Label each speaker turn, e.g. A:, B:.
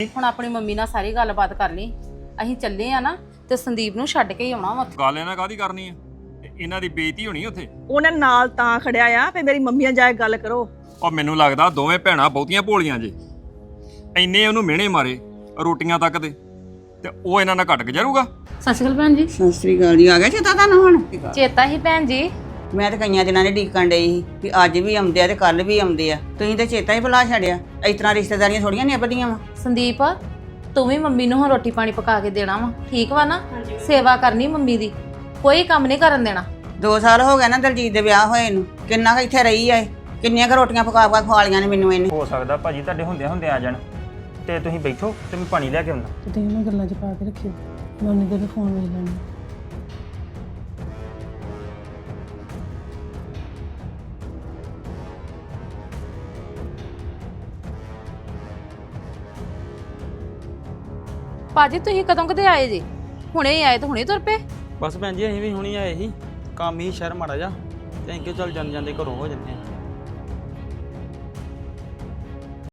A: ਹੁਣ ਆਪਣੀ ਮੰਮੀ ਨਾਲ ਸਾਰੀ ਗੱਲਬਾਤ ਕਰ ਲਈ। ਅਸੀਂ ਚੱਲੇ ਆ ਨਾ ਤੇ ਸੰਦੀਪ ਨੂੰ ਛੱਡ ਕੇ ਹੀ ਆਉਣਾ ਵਾ।
B: ਗੱਲ ਇਹਨਾਂ ਕਾਹਦੀ ਕਰਨੀ ਆ? ਇਹਨਾਂ ਦੀ ਬੇਇੱਜ਼ਤੀ ਹੋਣੀ ਉੱਥੇ।
C: ਉਹਨੇ ਨਾਲ ਤਾਂ ਖੜਿਆ ਆ ਫੇ ਮੇਰੀ ਮੰਮੀ ਨਾਲ ਜਾ ਕੇ ਗੱਲ ਕਰੋ।
B: ਔਰ ਮੈਨੂੰ ਲੱਗਦਾ ਦੋਵੇਂ ਭੈਣਾਂ ਬਹੁਤੀਆਂ ਭੋਲੀਆਂ ਜੇ। ਇੰਨੇ ਉਹਨੂੰ ਮਿਹਣੇ ਮਾਰੇ ਰੋਟੀਆਂ ਤੱਕ ਦੇ ਤੇ ਉਹ ਇਹਨਾਂ ਨਾਲ ਘਟ ਗੁਜ਼ਰੂਗਾ।
A: ਸਤਿ ਸ਼੍ਰੀ ਅਕਾਲ ਭੈਣ ਜੀ।
D: ਸਤਿ ਸ੍ਰੀ ਅਕਾਲ ਜੀ। ਆ ਗਿਆ ਚੇਤਾ ਤੁਹਾਨੂੰ ਹੁਣ?
A: ਚੇਤਾ ਹੀ ਭੈਣ ਜੀ।
D: ਮੈਂ ਤਾਂ ਕਈਆਂ ਦਿਨਾਂ ਦੇ ਡੀਕਣ ਡਈ ਸੀ ਵੀ ਅੱਜ ਵੀ ਆਉਂਦੇ ਆ ਤੇ ਕੱਲ ਵੀ ਆਉਂਦੇ ਆ। ਤੁਸੀਂ ਤੇ ਚੇਤਾ ਹੀ ਭੁਲਾ ਛੱਡਿਆ। ਇਸ ਤਰ੍ਹਾਂ ਰਿਸ਼ਤੇਦਾਰੀਆਂ ਥੋੜੀਆਂ ਨਿਭਦੀਆਂ ਵਾ।
A: ਸੰਦੀਪ ਤੂੰ ਵੀ ਮੰਮੀ ਨੂੰ ਹੁਣ ਰੋਟੀ ਪਾਣੀ ਪਕਾ ਕੇ ਦੇਣਾ ਵਾ, ਠੀਕ ਵਾ ਨਾ? ਸੇਵਾ ਕਰਨੀ ਮੰਮੀ ਦੀ, ਕੋਈ ਕੰਮ ਨਹੀਂ ਕਰਨ ਦੇਣਾ।
D: 2 ਸਾਲ ਹੋ ਗਏ ਨਾ ਦਲਜੀਤ ਦੇ ਵਿਆਹ ਹੋਏ ਨੂੰ। ਕਿੰਨਾ ਕੁ ਇੱਥੇ ਰਹੀ ਆ ਇਹ? ਕਿੰਨੀਆਂ ਕੁ ਰੋਟੀਆਂ ਪਕਾ ਖਵਾ ਲੀਆਂ ਨੇ ਮੈਨੂੰ ਇਹਨੇ।
E: ਹੋ ਸਕਦਾ ਭਾਜੀ ਤੁਹਾਡੇ ਹੁੰਦੇ ਆ ਜਾਣ ਤੇ ਤੁਸੀਂ ਬੈਠੋ ਤੇ ਮੈਂ ਪਾਣੀ ਲੈ ਕੇ ਆਉਂਦਾ।
F: ਤੇ ਤੁਸੀਂ ਇਹਨਾਂ ਗੱਲਾਂ 'ਚ ਪਾ ਕੇ ਰੱਖਿਓ। ਮੈਂ ਉਹਨੇ ਦੇ ਫੋਨ ਵੇਖ ਲੈਣਾ।
A: ਭਾਜੀ ਤੁਸੀਂ ਕਦੋਂ ਕਦੇ ਆਏ ਜੀ? ਹੁਣੇ ਹੀ ਆਏ ਤੇ ਹੁਣੇ ਤੁਰ ਪਏ?
G: ਬਸ ਭੈਣ ਜੀ ਅਸੀਂ ਵੀ ਹੁਣੀ ਆਏ ਸੀ, ਕੰਮ ਹੀ ਸ਼ਹਿਰ ਮਾੜਾ ਜਾ ਤੇ ਅਸੀਂ ਕਿਹਾ ਚੱਲ ਜਾਂਦੇ ਘਰੋਂ ਹੋ ਜੰਨੇ ਆ।